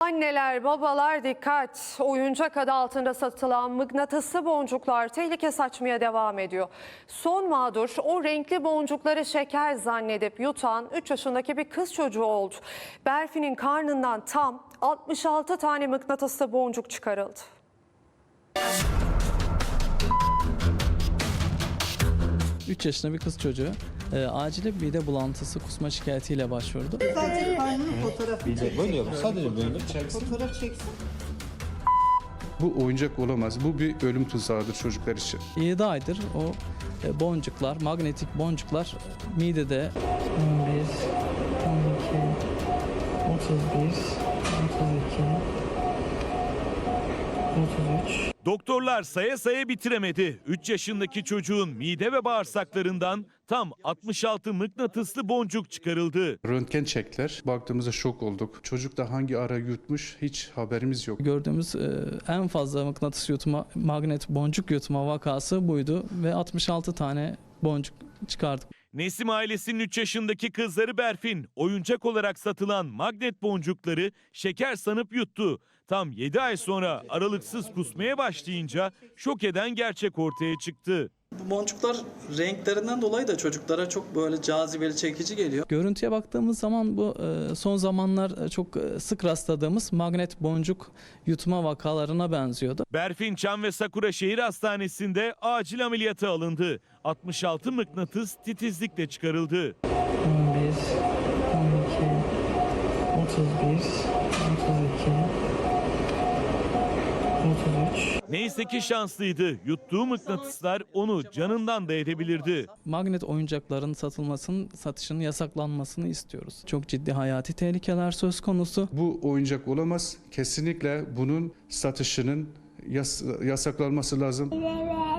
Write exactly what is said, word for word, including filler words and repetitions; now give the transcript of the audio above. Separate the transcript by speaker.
Speaker 1: Anneler, babalar dikkat! Oyuncak adı altında satılan mıknatıslı boncuklar tehlike saçmaya devam ediyor. Son mağdur o renkli boncukları şeker zannedip yutan üç yaşındaki bir kız çocuğu oldu. Berfi'nin karnından tam altmış altı tane mıknatıslı boncuk çıkarıldı.
Speaker 2: üç yaşında bir kız çocuğu e, acile mide bulantısı, kusma şikayetiyle başvurdu.
Speaker 3: Sadece karnının fotoğrafı çeksin.
Speaker 4: Böyle yapın. Sadece böyle.
Speaker 3: Fotoğraf çeksin.
Speaker 5: Bu oyuncak olamaz. Bu bir ölüm tuzağıdır çocuklar için.
Speaker 2: yedi aydır o e, boncuklar, magnetik boncuklar midede on bir, on iki, otuz bir, otuz iki, otuz üç.
Speaker 6: Doktorlar saya saya bitiremedi. üç yaşındaki çocuğun mide ve bağırsaklarından tam altmış altı mıknatıslı boncuk çıkarıldı.
Speaker 5: Röntgen çektiler. Baktığımızda şok olduk. Çocuk da hangi ara yutmuş hiç haberimiz yok.
Speaker 2: Gördüğümüz e, en fazla mıknatıs yutma, magnet boncuk yutma vakası buydu ve altmış altı tane boncuk çıkardık.
Speaker 6: Nesim ailesinin üç yaşındaki kızları Berfin oyuncak olarak satılan magnet boncukları şeker sanıp yuttu. Tam yedi ay sonra aralıksız kusmaya başlayınca şok eden gerçek ortaya çıktı.
Speaker 7: Bu boncuklar renklerinden dolayı da çocuklara çok böyle cazibeli, çekici geliyor.
Speaker 2: Görüntüye baktığımız zaman bu e, son zamanlar çok e, sık rastladığımız magnet boncuk yutma vakalarına benziyordu.
Speaker 6: Berfin Çam ve Sakura Şehir Hastanesi'nde acil ameliyata alındı. altmış altı mıknatıs titizlikle çıkarıldı.
Speaker 2: on bir, on iki, otuz bir, otuz iki, otuz üç.
Speaker 6: Neyse ki şanslıydı. Yuttuğu mıknatıslar onu canından da edebilirdi.
Speaker 2: Magnet oyuncakların satılmasının, satışının yasaklanmasını istiyoruz. Çok ciddi hayati tehlikeler söz konusu.
Speaker 5: Bu oyuncak olamaz. Kesinlikle bunun satışının yas- yasaklanması lazım.